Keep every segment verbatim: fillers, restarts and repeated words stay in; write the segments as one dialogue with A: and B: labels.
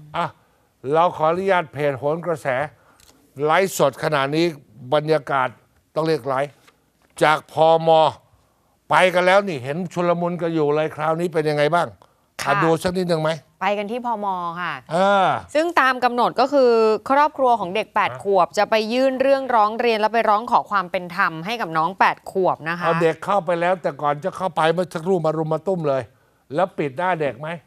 A: อ่ะเราขออนุญาตเพจโหนกระแสไลฟ์สดขณะนี้บรรยากาศต้องเรียกไลฟ์จากพมไปกันแล้วนี่เห็นชุลมุนกันอยู่เลยคราวนี้เป็นยังไงบ้างอ่ะดูสักนิดหนึ่งไหม
B: ไปกันที่พมค่ะ
A: อ่า
B: ซึ่งตามกำหนดก็คือครอบครัวของเด็กแปดขวบจะไปยื่นเรื่องร้องเรียนแล้วไปร้องขอความเป็นธรรมให้กับน้องแปดขวบนะคะ
A: เอาเด็กเข้าไปแล้วแต่ก่อนจะเข้าไปเมื่อสักครู่มารุมมาตุ้มเลยแล้วปิดหน้าเด็กไหม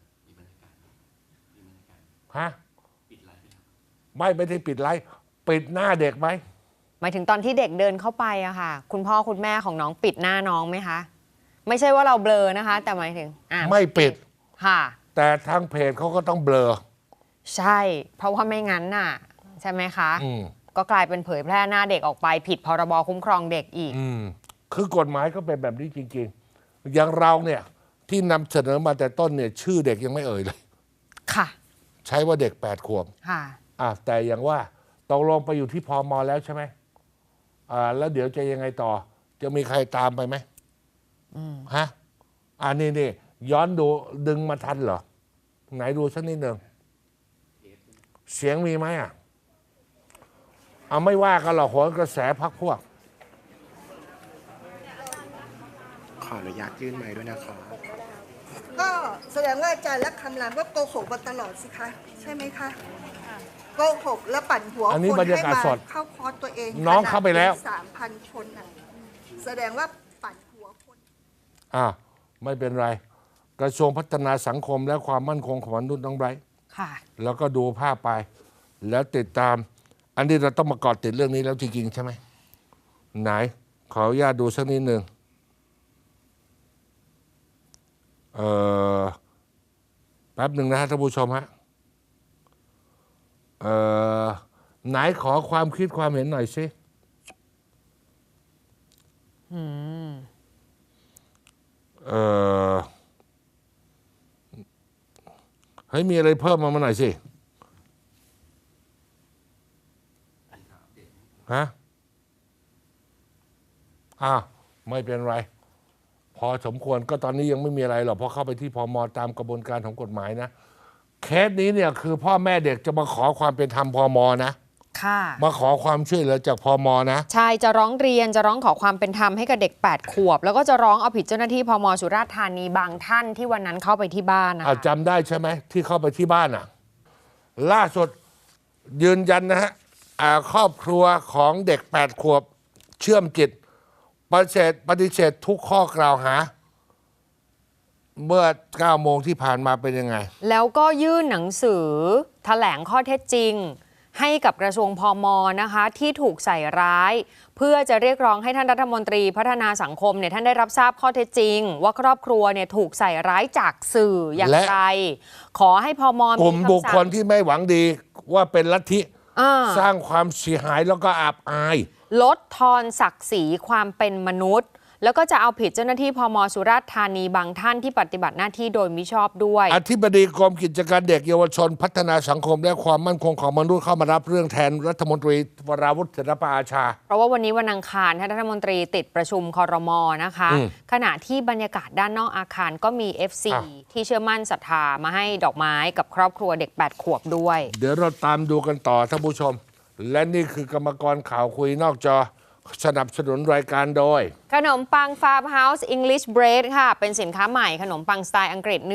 A: ฮะไม่ไม่ได้ปิดไลฟ์ปิดหน้าเด็กไหม
B: หมายถึงตอนที่เด็กเดินเข้าไปอะค่ะคุณพ่อคุณแม่ของน้องปิดหน้าน้องไหมคะไม่ใช่ว่าเราเบลอนะคะแต่หมายถึงอ่า
A: ไม่ปิด
B: ค่ะ
A: แต่ทางเพจเขาก็ต้องเบลอ
B: ใช่เพราะว่าไม่งั้นน่ะใช่ไหมคะก็กลายเป็นเผยแพร่หน้าเด็กออกไปผิดพรบคุ้มครองเด็กอีก
A: อืมคือกฎหมายก็เป็นแบบนี้จริงๆอย่างเราเนี่ยที่นำเสนอมาแต่ต้นเนี่ยชื่อเด็กยังไม่เอ่ยเลย
B: ค่ะ
A: ใช้ว่าเด็กแปดขวบ
B: ค่ะ
A: อ่ะแต่อย่างว่าตกลงไปอยู่ที่พมแล้วใช่ไหมอ่าแล้วเดี๋ยวจะยังไงต่อจะมีใครตามไปไหมฮะอ่านี่นี่ย้อนดูดึงมาทันเหรอไหนดูสักนิดหนึ่งเสียงมีไหมอ่ะเอาไม่ว่ากันหรอกโหนกระแสพักพวก
C: ขออนุญาตยื่นไมค์ด้วยนะคะ
D: ก็แสดงว่าอาจารย์และคำรามก็โกหกมาตลอดสิคะใช่ไหมคะโกหกแล้วปั่นหัวคนให้มาเข้าคอร์สตัวเอง
A: น้องเข้าไปแล้ว
D: สามพันคนน่ะแสดงว่าปั่นหัวคน
A: อ่าไม่เป็นไรกระทรวงพัฒนาสังคมและความมั่นคงของมนุษย์น้องไบรท์
B: ค่ะ
A: แล้วก็ดูภาพไปแล้วติดตามอันนี้เราต้องมาเกาะติดเรื่องนี้แล้วจริงๆใช่ไหมไหนขออนุญาตดูสักนิดหนึ่งเอ่อแป๊บหนึ่งนะฮะท่านผู้ชมฮะเอ่อไหนขอความคิดความเห็นหน่อยสิ
B: อืม
A: เอ่อเฮ้ยมีอะไรเพิ่มมามาหน่อยสิฮะอ้าวไม่เป็นไรพอสมควรก็ตอนนี้ยังไม่มีอะไรหรอกเพราะเข้าไปที่พมตามกระบวนการของกฎหมายนะเคสนี้เนี่ยคือพ่อแม่เด็กจะมาขอความเป็นธรรมพมนะ
B: ค่ะ
A: มาขอความช่วยเหลือจากพมนะ
B: ใช่จะร้องเรียนจะร้องขอความเป็นธรรมให้กับเด็กแปดขวบแล้วก็จะร้องเอาผิดเจ้าหน้าที่พมสุราษฎร์ธานีบางท่านที่วันนั้นเข้าไปที่บ้านนะคะ
A: จำได้ใช่ไหมที่เข้าไปที่บ้านอ่ะล่าสุดยืนยันนะฮะครอบครัวของเด็กแปดขวบเชื่อมจิตปฏิเสธปฏิเสธทุกข้อกล่าวหาเมื่อเก้าโมงที่ผ่านมาเป็นยังไง
B: แล้วก็ยื่นหนังสือแถลงข้อเท็จจริงให้กับกระทรวงพมนะคะที่ถูกใส่ร้ายเพื่อจะเรียกร้องให้ท่านรัฐมนตรีพัฒนาสังคมเนี่ยท่านได้รับทราบข้อเท็จจริงว่าครอบครัวเนี่ยถูกใส่ร้ายจากสื่ออย่างไรขอให้พม
A: กลุ่มบุคคลที่ไม่หวังดีว่าเป็นลัทธิสร้างความเสียหายแล้วก็อับอาย
B: ลดทอนศักดิ์ศรีความเป็นมนุษย์แล้วก็จะเอาผิดเจ้าหน้าที่พมสุราษฎร์ธานีบางท่านที่ปฏิบัติหน้าที่โดยมิชอบด้วย
A: อธิบดีกรมกิจการเด็กเยาวชนพัฒนาสังคมและความมั่นคงของมนุษย์เข้ามารับเรื่องแทนรัฐมนตรีวราวุฒิศิลปอาชา
B: เพราะว่าวันนี้วันอังคารท่านรัฐมนตรีติดประชุมครม.นะคะขณะที่บรรยากาศด้านนอกอาคารก็มี เอฟ ซี ที่เชื่อมั่นศรัทธามาให้ดอกไม้กับครอบครัวเด็กแปดขวบด้วย
A: เดี๋ยวเราตามดูกันต่อท่านผู้ชมและนี่คือกรรมกรข่าวคุยนอกจอสนับสนุนรายการโดย
B: ขนมปังฟาร์มเฮาส์ English Bread ค่ะเป็นสินค้าใหม่ขนมปังสไตล์อังกฤษ